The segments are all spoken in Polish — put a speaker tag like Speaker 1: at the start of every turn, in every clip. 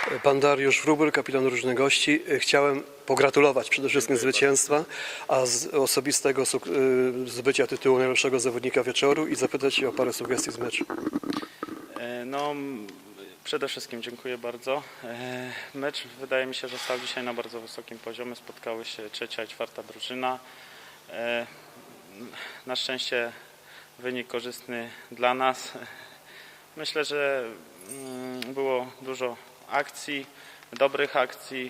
Speaker 1: Pan Dariusz Wróbel, kapitan drużyny gości. Chciałem pogratulować przede wszystkim zwycięstwa, a z osobistego zbycia tytułu najlepszego zawodnika wieczoru i zapytać się o parę sugestii z meczu.
Speaker 2: No, przede wszystkim dziękuję bardzo. Mecz wydaje mi się, że stał dzisiaj na bardzo wysokim poziomie. Spotkały się trzecia i czwarta drużyna. Na szczęście wynik korzystny dla nas. Myślę, że było dużo akcji, dobrych akcji,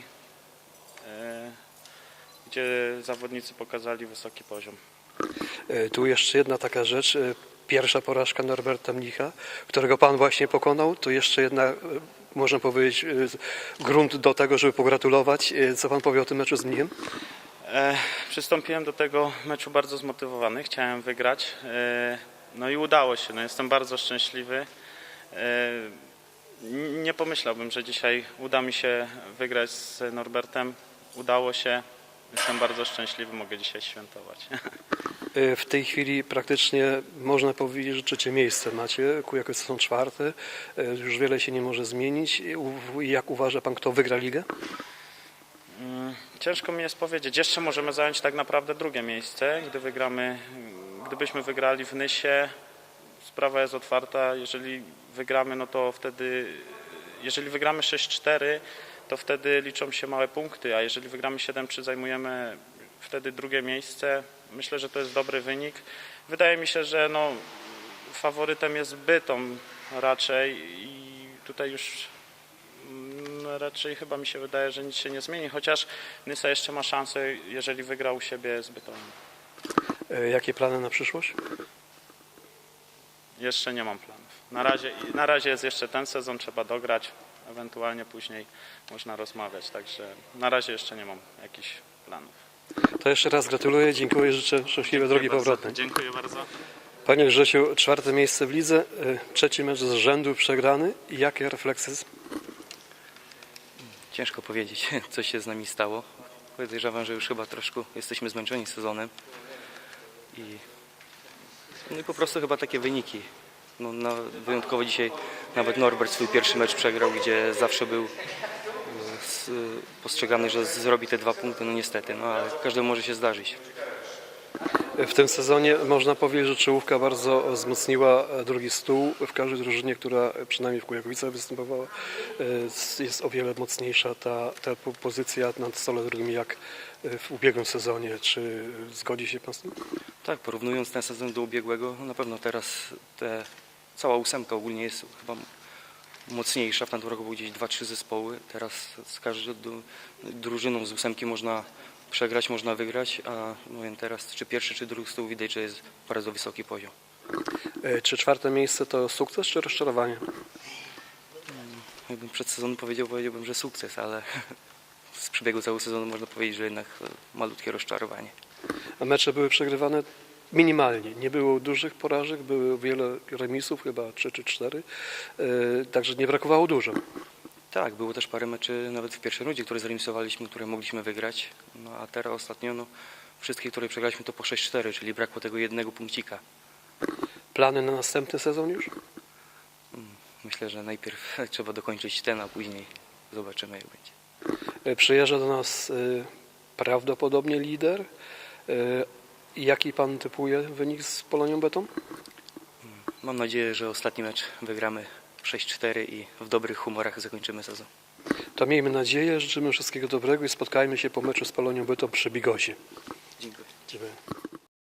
Speaker 2: gdzie zawodnicy pokazali wysoki poziom.
Speaker 1: Tu jeszcze jedna taka rzecz. Pierwsza porażka Norberta Mnicha, którego pan właśnie pokonał. To jeszcze jedna, można powiedzieć, grunt do tego, żeby pogratulować. Co pan powie o tym meczu z Mnichem?
Speaker 2: Przystąpiłem do tego meczu bardzo zmotywowany, chciałem wygrać. No i udało się, jestem bardzo szczęśliwy. Nie pomyślałbym, że dzisiaj uda mi się wygrać z Norbertem. Udało się, jestem bardzo szczęśliwy, mogę dzisiaj świętować.
Speaker 1: W tej chwili praktycznie można powiedzieć, że trzecie miejsce macie, jakoś są czwarte. Już wiele się nie może zmienić. Jak uważa pan, kto wygra ligę?
Speaker 2: Ciężko mi jest powiedzieć. Jeszcze możemy zająć tak naprawdę drugie miejsce. Gdybyśmy wygrali w Nysie, sprawa jest otwarta. Jeżeli wygramy, no to wtedy, jeżeli wygramy 6-4, to wtedy liczą się małe punkty, a jeżeli wygramy 7-3, zajmujemy wtedy drugie miejsce. Myślę, że to jest dobry wynik. Wydaje mi się, że faworytem jest Bytom raczej i tutaj już raczej chyba mi się wydaje, że nic się nie zmieni, chociaż Nysa jeszcze ma szansę, jeżeli wygra u siebie z Bytomiem.
Speaker 1: Jakie plany na przyszłość?
Speaker 2: Jeszcze nie mam planów. Na razie jest jeszcze ten sezon, trzeba dograć, ewentualnie później można rozmawiać, także na razie jeszcze nie mam jakichś planów.
Speaker 1: To jeszcze raz gratuluję, dziękuję, życzę szczęśliwej drogi powrotnej.
Speaker 2: Dziękuję bardzo.
Speaker 1: Panie Grzesiu, czwarte miejsce w lidze, trzeci mecz z rzędu przegrany. Jakie refleksje?
Speaker 3: Ciężko powiedzieć, co się z nami stało. Podejrzewam, że już chyba troszkę jesteśmy zmęczeni sezonem. No i po prostu chyba takie wyniki. Wyjątkowo dzisiaj nawet Norbert swój pierwszy mecz przegrał, gdzie zawsze był postrzegany, że zrobi te 2 punkty, no niestety, ale każdemu może się zdarzyć.
Speaker 1: W tym sezonie można powiedzieć, że czołówka bardzo wzmocniła drugi stół. W każdej drużynie, która przynajmniej w Kujawicach występowała, jest o wiele mocniejsza ta pozycja na stole drugim jak w ubiegłym sezonie. Czy zgodzi się pan z tym?
Speaker 3: Tak, porównując ten sezon do ubiegłego, na pewno teraz cała 8 ogólnie jest chyba mocniejsza. W tamtym roku były gdzieś 2-3 zespoły. Teraz z każdą drużyną z 8 można przegrać, można wygrać, a teraz czy pierwszy, czy drugi stół widać, że jest bardzo wysoki poziom.
Speaker 1: Czy czwarte miejsce to sukces, czy rozczarowanie?
Speaker 3: Jakbym przed sezonem powiedziałbym, że sukces, ale z przebiegu całego sezonu można powiedzieć, że jednak malutkie rozczarowanie.
Speaker 1: A mecze były przegrywane minimalnie. Nie było dużych porażek, były wiele remisów, chyba 3 czy 4, także nie brakowało dużo.
Speaker 3: Tak, było też parę meczy nawet w pierwszej rundzie, które zremisowaliśmy, które mogliśmy wygrać. A teraz ostatnio wszystkie, które przegraliśmy, to po 6-4, czyli brakło tego jednego punkcika.
Speaker 1: Plany na następny sezon już?
Speaker 3: Myślę, że najpierw trzeba dokończyć ten, a później zobaczymy, jak będzie.
Speaker 1: Przyjeżdża do nas prawdopodobnie lider. Jaki pan typuje wynik z Polonią Bytom?
Speaker 3: Mam nadzieję, że ostatni mecz wygramy 6-4 i w dobrych humorach zakończymy sezon.
Speaker 1: To miejmy nadzieję, życzymy wszystkiego dobrego i spotkajmy się po meczu z Polonią Bytom przy Bigosie.
Speaker 3: Dziękuję.
Speaker 1: Dziękuję.